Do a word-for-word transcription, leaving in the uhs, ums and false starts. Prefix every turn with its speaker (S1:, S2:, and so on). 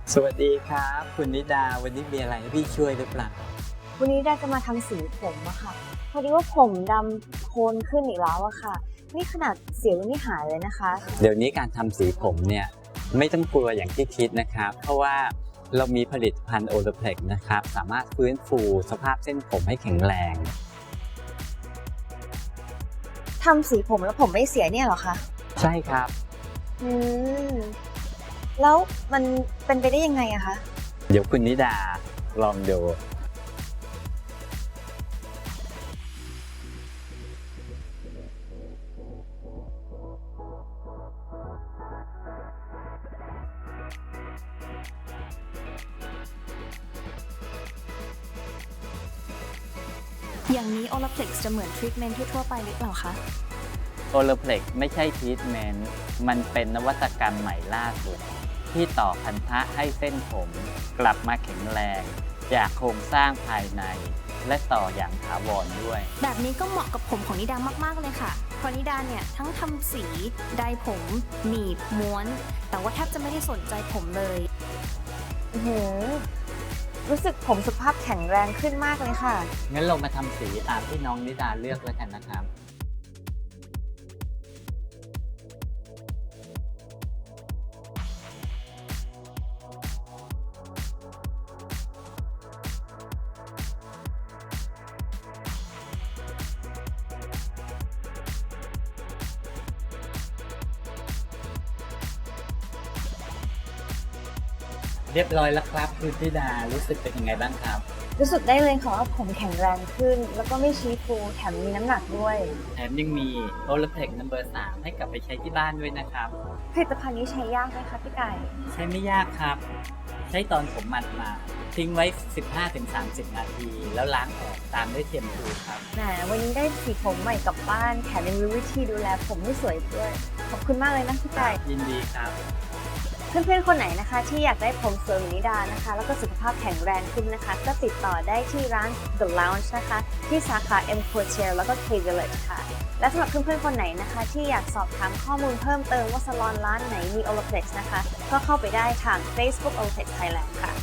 S1: สวัสดีครับคุณนิดาวันนี้มีอะไรให้พี่ช่วยหรือเปล่า
S2: วันนี้ได้จะมาทำสีผมอะค่ะพอดีว่าผมดำโทนขึ้นอีกแล้วอะค่ะนี่ขนาดเสียวยังไม่หายเลยนะคะ
S1: เดี๋ยวนี้การทำสีผมเนี่ยไม่ต้องกลัวอย่างที่คิดนะครับเพราะว่าเรามีผลิตภัณฑ์โอลเพล็กนะครับสามารถฟื้นฟูสภาพเส้นผมให้แข็งแรง
S2: ทำสีผมแล้วผมไม่เสียเนี่ยเหรอคะ
S1: ใช่ครับ
S2: อืมแล้วมันเป็นไปได้ยังไงอะคะ
S1: เดี๋ยวคุณนิดาลองดู
S3: อย่างนี้ Olaplex จะเหมือนทรีทเมนต์ทั่วๆไปหรือเปล่าคะ
S1: โอลเพล็กไม่ใช่ทรีทเมนต์มันเป็นนวัตกรรมใหม่ล่าสุดที่ต่อพันธะให้เส้นผมกลับมาแข็งแรงจากโครงสร้างภายในและต่ออย่างถาวรด้วย
S3: แบบนี้ก็เหมาะกับผมของนิดามากๆเลยค่ะเพราะนิดาเนี่ยทั้งทำสีไดร์ผมหนีบม้วน แต่ว่าแทบจะไม่ได้สนใจผมเลย
S2: อือหือรู้สึกผมสุขภาพแข็งแรงขึ้นมากเลยค่ะ
S1: งั้นเรามาทำสีตามที่น้องนิดาเลือกแล้วกันนะครับเรียบร้อยแล้วครับคุณนิดารู้สึกเป็นยังไงบ้างครับ
S2: รู้สึกได้เลยค่ะว่าผมแข็งแรงขึ้น แล้วก็ไม่ชี้ฟูแถมมีน้ำหนักด้วย
S1: แถมยังมีโอลเพล็กนัมเบอร์สามให้กลับไปใช้ที่บ้านด้วยนะครับ
S2: ผลิตภัณฑ์นี้ใช้ยากไหมคะพี่ไก่
S1: ใช้ไม่ยากครับใช้ตอนผมหมัดมาทิ้งไว้ สิบห้าถึงสามสิบ นาที แล้วล้างออกตามด้วยเทียมพูครับ
S2: แหมวันนี้ได้สีผมใหม่กลับบ้านแถมยังรู้วิธีดูแลผมให้สวยด้วยขอบคุณมากเลยนะพี่ไก่
S1: ยินดีครับ
S2: เพื่อนๆ คนไหนนะคะที่อยากได้ผมสวยเหมือนนิดานะคะแล้วก็สุขภาพแข็งแรงขึ้นนะคะก็ติดต่อได้ที่ร้าน The Lounge นะคะที่สาขา M Quartier แล้วก็ K Village ค่ะและสำหรับเพื่อนๆ คนไหนนะคะที่อยากสอบถามข้อมูลเพิ่มเติมว่าซาลอนร้านไหนมี Olaplex นะคะก็เข้าไปได้ทาง Facebook Olaplex Thailand ค่ะ